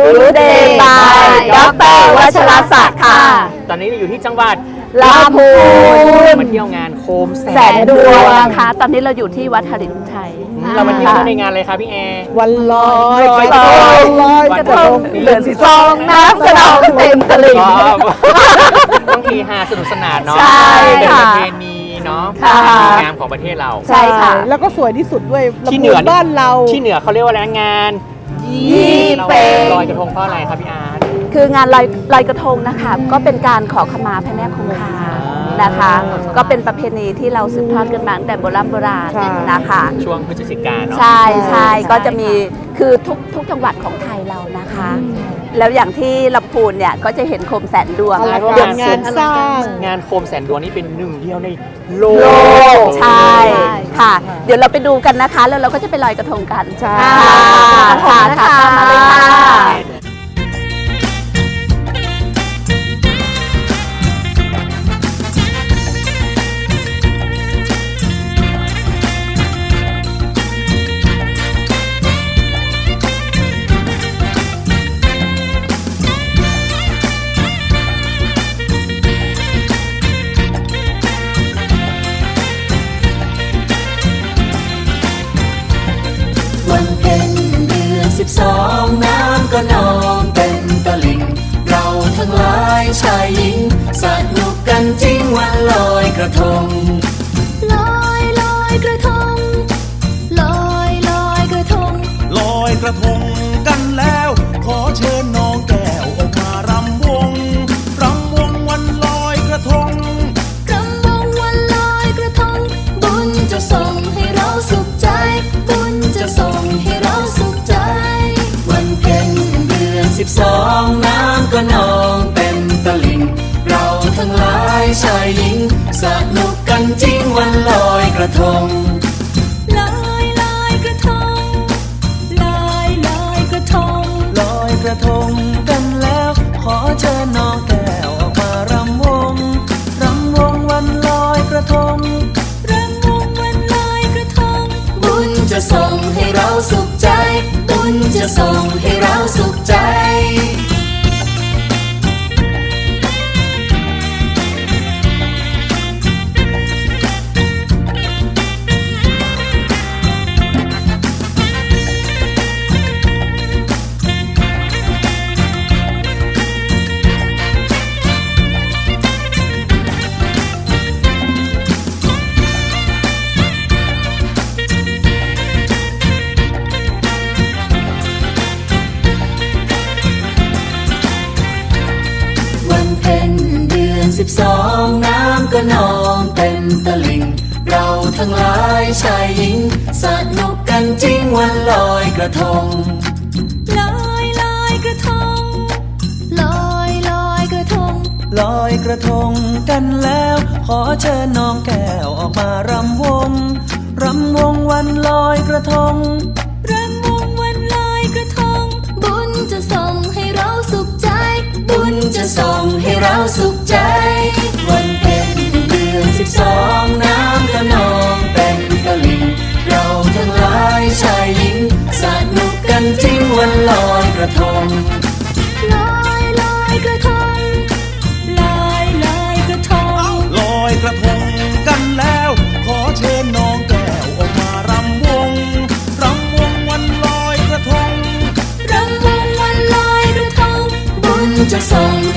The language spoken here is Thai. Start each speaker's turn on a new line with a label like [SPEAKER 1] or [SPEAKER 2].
[SPEAKER 1] Good Day by ดร.วัชรศักดิ์ค่ะ
[SPEAKER 2] ตอนนี้เราอยู่ที่จังหวัด
[SPEAKER 1] ลำพูน
[SPEAKER 2] มาเที่ยวงานโคมแสน
[SPEAKER 1] ดวงนะคะตอนนี้เราอยู่ที่วัดหฤทัยไทย
[SPEAKER 2] เรามาเที่ยวในงานอะไรคะพี่แอร์
[SPEAKER 3] วันลอย
[SPEAKER 1] กระทงเดือน12น้ำกระนองเต็มตลิ่ง
[SPEAKER 2] ต้องทีฮาสนุกสนานเนาะเป็นประเพณีเนาะงานของประเทศเรา
[SPEAKER 1] ใช่ค่ะ
[SPEAKER 3] แล้วก็สวยที่สุดด้วย
[SPEAKER 2] ที่เหนือ
[SPEAKER 3] บ้านเรา
[SPEAKER 2] ที่เหนือเขาเรียกว่าอะไรงาน
[SPEAKER 1] ยี่เป่ง
[SPEAKER 2] ลอยกระทงเพราะอะไรครับพี่อาร์ต
[SPEAKER 1] คืองานลอยกระทงนะคะก็เป็นการขอขมาพระแม่คงคานะคะก็เป็นประเพณีที่เราสืบทอดกันมาตั้งแต่โบราณนะคะ
[SPEAKER 2] ช่วงพฤศจิกายนเนาะ
[SPEAKER 1] ใช่ก็จะมีคือทุกจังหวัดของไทยเรานะคะแล้วอย่างที่ลำพูนเนี่ยก็จะเห็นโคมแสนดวง
[SPEAKER 3] งานสร้าง
[SPEAKER 2] งานโคมแสนดวงนี่เป็นหนึ่งเดียวในโล
[SPEAKER 1] กใช่ค่ะเดี๋ยวเราไปดูกันนะคะแล้วเราก็จะไปลอยกระทงกัน
[SPEAKER 3] ใช่
[SPEAKER 1] ค่ะมาเลยค่ะ
[SPEAKER 4] วันเพ็ญเดือน12น้ำก็นองเต็มตลิ่งเราทั้งหลายชายหญิงสนุกกันจริงวันลอยกระทง
[SPEAKER 5] ลอยกระทงลอยกระทง
[SPEAKER 6] ลอยกระทงกันแล้วขอเชิญน้องแก้วออกมารำวงวันลอยกระทง
[SPEAKER 5] รำวงวันลอยกระทงบุญจะส่งให้เราสุขใจบุญจะส่งให้เราสุขใจ
[SPEAKER 4] วันเพ็ญเดือน12น้ำก็นองเต็มตลิ่งเราทั้งหลายชายหญิงสนุกกันจริงวันลอยกระทง
[SPEAKER 5] ลอยกระทงลอยกระทง
[SPEAKER 4] ลอยกระทงกันแล้วขอเชิญน้องแก้วออกมารำวงวันลอยกระทง
[SPEAKER 5] รำวงวันลอยกระทง
[SPEAKER 4] บุญจะส่งให้เราสุขใจบุญจะส่งให้เราสุขใจ12น้ำก็นองเต็มตลิ่งเราทั้งหลายชายหญิงสนุกกันจริงวันลอยกระทง
[SPEAKER 5] ลอยกระทงลอยกระทง
[SPEAKER 4] ลอยกระทงกันแล้วขอเชิญน้องแก้วออกมารำวงวันลอยกระทง
[SPEAKER 5] รำวงวันลอยกระทงบุญจะส่งให้เราสุขใจ
[SPEAKER 4] บุญจะส่งให้เราสุขใจวันเพ็ญเดือน12น้ำก็นองเต็มตลิ่งเราทั้งหลายชายหญิงสนุกกันจริงวันลอยกระทง
[SPEAKER 5] ลอยกระทงลอยกระทง
[SPEAKER 6] ลอยกระทงกันแล้วขอเชิญน้องแก้วออกมารำวงวันลอยกระทง
[SPEAKER 5] รำวงวันลอยกระทง
[SPEAKER 4] บุญจะส่ง